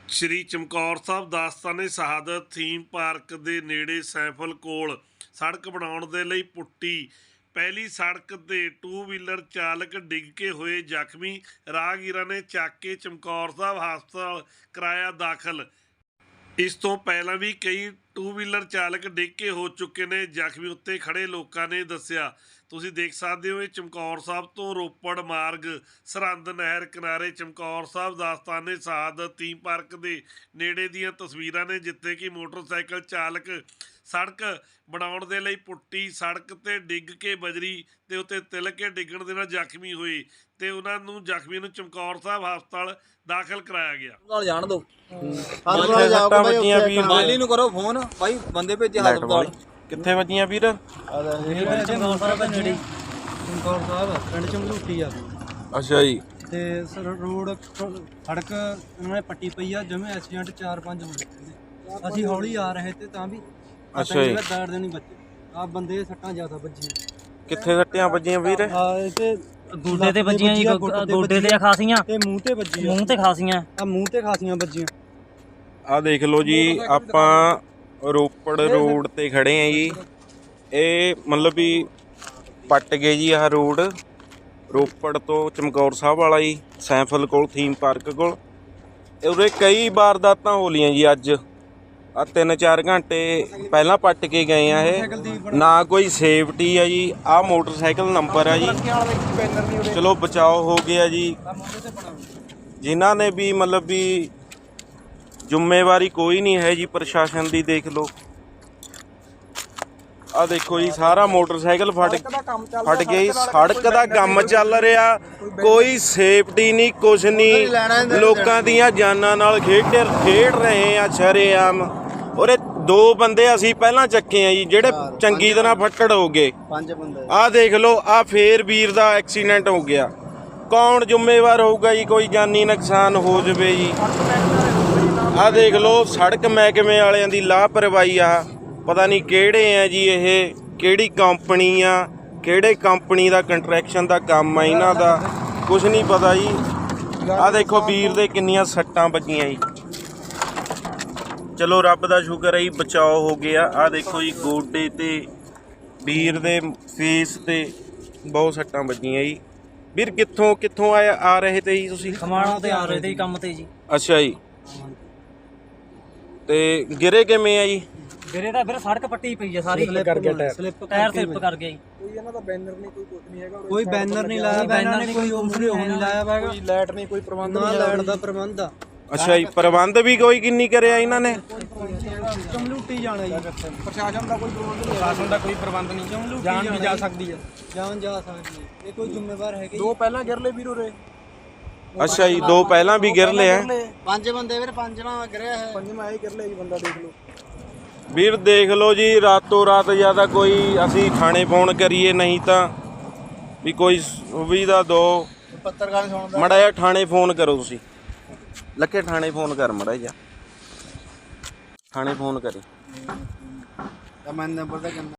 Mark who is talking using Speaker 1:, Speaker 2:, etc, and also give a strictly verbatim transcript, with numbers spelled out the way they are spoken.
Speaker 1: ਸ਼੍ਰੀ ਚਮਕੌਰ ਸਾਹਿਬ ਦਾਸਤਾਨੇ ਸ਼ਹਾਦਤ theme park ਦੇ ਨੇੜੇ ਸੈਂਫਲ ਕੋਲ ਸੜਕ ਬਣਾਉਣ ਦੇ ਲਈ ਪੁੱਟੀ ਪਹਿਲੀ ਸੜਕ ਤੇ ਟੂ ਵੀਲਰ ਚਾਲਕ ਡਿੱਗ ਕੇ ਹੋਏ ਜ਼ਖਮੀ। ਰਾਹਗੀਰਾਂ ਨੇ ਚੱਕ ਕੇ ਚਮਕੌਰ ਸਾਹਿਬ ਹਸਪਤਾਲ ਕਰਾਇਆ ਦਾਖਲ। ਇਸ ਤੋਂ ਪਹਿਲਾਂ ਵੀ ਕਈ ਟੂ ਵੀਲਰ ਚਾਲਕ ਡਿੱਗ ਕੇ ਹੋ ਚੁੱਕੇ ਨੇ ਜ਼ਖਮੀ। ਉੱਤੇ ਖੜੇ ਲੋਕਾਂ ਨੇ ਦੱਸਿਆ। ਤੁਸੀਂ ਦੇਖ ਸਕਦੇ ਹੋ ਇਹ ਚਮਕੌਰ ਸਾਹਿਬ ਤੋਂ ਰੋਪੜ ਮਾਰਗ ਸਰਹੰਦ ਨਹਿਰ ਕਿਨਾਰੇ ਚਮਕੌਰ ਸਾਹਿਬ ਦਾਸਤਾਨੇ ਸ਼ਹਾਦਤ ਥੀਮ ਪਾਰਕ ਦੇ ਨੇੜੇ ਦੀਆਂ ਤਸਵੀਰਾਂ ਨੇ, ਜਿੱਥੇ ਕਿ ਮੋਟਰਸਾਈਕਲ ਚਾਲਕ ਸੜਕ ਬਣਾਉਣ ਦੇ ਲਈ ਪੁੱਟੀ ਸੜਕ ਤੇ ਡਿੱਗ ਕੇ ਬਜਰੀ ਦੇ ਉੱਤੇ ਤਿਲਕ ਕੇ ਡਿੱਗਣ ਦੇ ਨਾਲ ਜ਼ਖਮੀ ਹੋਏ ਤੇ ਉਹਨਾਂ ਨੂੰ ਜ਼ਖਮੀ ਨੂੰ ਚਮਕੌਰ ਸਾਹਿਬ ਹਸਪਤਾਲ ਦਾਖਲ ਕਰਾਇਆ ਗਿਆ।
Speaker 2: ਨਾਲ ਜਾਣ ਦੋ
Speaker 3: ਮਾਲੀ
Speaker 2: ਨੂੰ ਕਰੋ ਫੋਨ ਭਾਈ, ਬੰਦੇ ਭੇਜੇ ਹਸਪਤਾਲ।
Speaker 3: ਕਿੱਥੇ ਵੱਜੀਆਂ ਵੀਰ?
Speaker 4: ਚਮਕੌਰ ਸਾਹਿਬ ਦੇ ਨੇੜੇ ਚਮਕੌਰ ਸਾਹਿਬ ਪਿੰਡ ਚਮਲੂਟੀ ਆ।
Speaker 3: ਅੱਛਾ ਜੀ।
Speaker 4: ਤੇ ਰੋਡ ਸੜਕ ਉਹਨਾਂ ਨੇ ਪੱਟੀ ਪਈ ਆ, ਜਿਵੇਂ ਐਕਸੀਡੈਂਟ ਚਾਰ ਪੰਜ ਹੋਏ। ਅਸੀਂ ਹੌਲੀ ਆ ਰਹੇ ਤੇ ਤਾਂ ਵੀ
Speaker 3: ਅੱਛਾ ਜੀ।
Speaker 4: ਦਰਦ ਨਹੀਂ ਬੱਚੇ ਆ, ਬੰਦੇ ਸੱਟਾਂ ਜ਼ਿਆਦਾ ਵੱਜੀਆਂ।
Speaker 3: ਕਿੱਥੇ ਸੱਟਾਂ ਵੱਜੀਆਂ ਵੀਰ?
Speaker 4: ਆ ਤੇ
Speaker 5: ਗੋਡੇ ਤੇ ਵੱਜੀਆਂ ਜੀ, ਗੋਡੇ ਤੇ ਖਾਸੀਆਂ
Speaker 4: ਤੇ ਮੂੰਹ ਤੇ ਵੱਜੀ,
Speaker 5: ਮੂੰਹ ਤੇ ਖਾਸੀਆਂ
Speaker 4: ਆ ਮੂੰਹ ਤੇ ਖਾਸੀਆਂ ਵੱਜੀਆਂ।
Speaker 3: ਆ ਦੇਖ ਲਓ ਜੀ, ਆਪਾਂ ਰੋਪੜ ਰੋਡ ਤੇ ਖੜੇ ਆ ਜੀ। ਇਹ ਮਤਲਬ ਵੀ ਪੱਟ ਗਏ ਜੀ ਆਹ ਰੋਡ ਰੋਪੜ ਤੋਂ ਚਮਕੌਰ ਸਾਹਿਬ ਵਾਲਾ ਜੀ, ਸੈਂਫਲ ਕੋਲ ਥੀਮ ਪਾਰਕ ਕੋਲ। ਉਰੇ ਕਈ ਵਾਰਦਾਤਾਂ ਹੋ ਲੀਆਂ ਜੀ। ਅੱਜ ਆ ਤਿੰਨ ਚਾਰ ਘੰਟੇ ਪਹਿਲਾਂ ਪੱਟ ਕੇ ਗਏ ਆ ਇਹ। ਨਾ ਕੋਈ ਸੇਫਟੀ ਆ ਜੀ। ਆਹ ਮੋਟਰਸਾਈਕਲ ਨੰਬਰ ਆ ਜੀ। ਚਲੋ ਬਚਾਓ ਹੋ ਗਿਆ ਜੀ। ਜਿਨ੍ਹਾਂ ਨੇ ਵੀ ਮਤਲਬ ਵੀ ਜ਼ਿੰਮੇਵਾਰੀ ਕੋਈ ਨਹੀਂ ਹੈ ਜੀ ਪ੍ਰਸ਼ਾਸਨ ਦੀ। ਦੇਖ ਲਓ ਆ ਦੇਖੋ ਜੀ, ਸਾਰਾ ਮੋਟਰਸਾਈਕਲ ਫਟ ਫਟ ਗਈ। ਸੜਕ ਦਾ ਕੰਮ ਚੱਲ ਰਿਹਾ, ਕੋਈ ਸੇਫਟੀ ਨਹੀਂ, ਕੁਛ ਨਹੀਂ। ਲੋਕਾਂ ਦੀਆਂ ਜਾਨਾਂ ਨਾਲ ਖੇਡ ਖੇਡ ਰਹੇ ਆ ਸ਼ਰੇਆਮ। ਔਰ ਦੋ ਬੰਦੇ ਅਸੀਂ ਪਹਿਲਾਂ ਚੱਕੇ ਆ ਜੀ, ਜਿਹੜੇ ਚੰਗੀ ਤਰ੍ਹਾਂ ਫੱਟੜ ਹੋ ਗਏ। ਆਹ ਦੇਖ ਲਓ, ਆ ਫੇਰ ਵੀਰ ਦਾ ਐਕਸੀਡੈਂਟ ਹੋ ਗਿਆ। ਕੌਣ ਜ਼ਿੰਮੇਵਾਰ ਹੋਊਗਾ ਜੀ? ਕੋਈ ਜਾਨੀ ਨੁਕਸਾਨ ਹੋ ਜਾਵੇ ਜੀ। ਆਹ ਦੇਖ ਲਓ, ਸੜਕ ਮਹਿਕਮੇ ਵਾਲਿਆਂ ਦੀ ਲਾਪਰਵਾਹੀ ਆ। ਪਤਾ ਨਹੀਂ ਕਿਹੜੇ ਆ ਜੀ ਇਹ, ਕਿਹੜੀ ਕੰਪਨੀ ਆ, ਕਿਹੜੇ ਕੰਪਨੀ ਦਾ ਕੰਟਰੈਕਸ਼ਨ ਦਾ ਕੰਮ ਆ ਇਹਨਾਂ ਦਾ, ਕੁਛ ਨਹੀਂ ਪਤਾ ਜੀ। ਆਹ ਦੇਖੋ ਵੀਰ ਦੇ ਕਿੰਨੀਆਂ ਸੱਟਾਂ ਵੱਜੀਆਂ ਜੀ। ਚਲੋ ਰੱਬ ਦਾ ਸ਼ੁਕਰ ਹੈ ਜੀ, ਬਚਾਓ ਹੋ ਗਿਆ। ਆਹ ਦੇਖੋ ਜੀ, ਗੋਡੇ ਤੇ ਵੀਰ ਦੇ ਫੇਸ ਤੇ ਬਹੁਤ ਸੱਟਾਂ ਵੱਜੀਆਂ ਜੀ। ਵੀਰ ਕਿੱਥੋਂ ਕਿੱਥੋਂ ਆਏ ਆ ਰਹੇ ਤੇ ਜੀ ਤੁਸੀਂ?
Speaker 5: ਖਮਾਣੋਂ ਤੇ ਆ ਰਹੇ ਤੇ ਕੰਮ ਤੇ ਜੀ।
Speaker 3: ਅੱਛਾ ਜੀ। ਤੇ ਗਿਰੇ ਕਿਵੇਂ ਆ ਜੀ?
Speaker 5: ਵੀਰੇ ਦਾ ਫਿਰ ਸੜਕ ਪੱਟੀ ਪਈ ਆ ਸਾਰੀ,
Speaker 4: ਕਰ ਗਿਆ ਟਾਇਰ,
Speaker 5: ਟਾਇਰ ਸਲਿੱਪ ਕਰ ਗਿਆ ਜੀ।
Speaker 4: ਕੋਈ ਇਹਨਾਂ ਦਾ ਬੈਨਰ ਨਹੀਂ, ਕੋਈ ਕੁਝ ਨਹੀਂ ਹੈਗਾ। ਕੋਈ ਬੈਨਰ ਨਹੀਂ ਲਾਇਆ, ਬੈਨਰ ਨਹੀਂ, ਕੋਈ ਉਮਰੇ ਉਹ ਨਹੀਂ ਲਾਇਆ ਹੈਗਾ। ਕੋਈ ਲਾਈਟ ਨਹੀਂ, ਕੋਈ ਪ੍ਰਬੰਧ ਨਹੀਂ, ਲਾਈਟ ਦਾ ਪ੍ਰਬੰਧ ਆ।
Speaker 3: ਅੱਛਾ ਜੀ। ਪ੍ਰਬੰਧ ਵੀ ਕੋਈ ਕਿੰਨੀ ਕਰਿਆ ਇਹਨਾਂ ਨੇ?
Speaker 4: ਚਮਲੂਟੀ ਜਾਣਾ ਜੀ। ਪ੍ਰਸ਼ਾਸਨ ਦਾ ਕੋਈ ਪ੍ਰਬੰਧ ਨਹੀਂ, ਪ੍ਰਸ਼ਾਸਨ ਦਾ ਕੋਈ ਪ੍ਰਬੰਧ ਨਹੀਂ। ਚਮਲੂਟੀ ਜਾਨ ਵੀ ਜਾ ਸਕਦੀ ਹੈ, ਜਾਨ ਜਾ ਸਕਦੀ ਹੈ। ਇਹ ਕੋਈ ਜ਼ਿੰਮੇਵਾਰ ਹੈਗੇ? ਦੋ ਪਹਿਲਾਂ ਗਿਰ ਲਏ ਵੀਰੋ ਰੇ।
Speaker 3: ਅੱਛਾ ਜੀ, ਦੋ ਪਹਿਲਾਂ ਵੀ ਗਿਰ ਲਿਆ।
Speaker 4: ਪੰਜ ਬੰਦੇ ਵੀਰ, ਪੰਜ ਨਾ ਗਿਰਿਆ ਹੈ। ਪੰਜਵਾਂ ਇਹ ਗਿਰ ਲਿਆ ਜੀ ਬੰਦਾ, ਦੇਖ ਲਓ
Speaker 3: ਵੀਰ। ਦੇਖ ਲਓ ਜੀ, ਰਾਤੋਂ ਰਾਤ ਜਿਆਦਾ ਕੋਈ ਅਸੀਂ ਥਾਣੇ ਫੋਨ ਕਰੀਏ, ਨਹੀਂ ਤਾਂ ਵੀ ਕੋਈ ਸੁਵਿਧਾ ਦਿਓ।
Speaker 4: ਪੱਤਰਕਾਰ ਸੁਣਦਾ
Speaker 3: ਮੜਾ ਜਿਹਾ ਥਾਣੇ ਫੋਨ ਕਰੋ ਤੁਸੀਂ। ਲੱਕੇ ਥਾਣੇ ਫੋਨ ਕਰ ਮੜਾ ਜਿਹਾ, ਥਾਣੇ ਫੋਨ ਕਰੇ।
Speaker 4: ਮੈਂ ਨੰਬਰ ਦਾ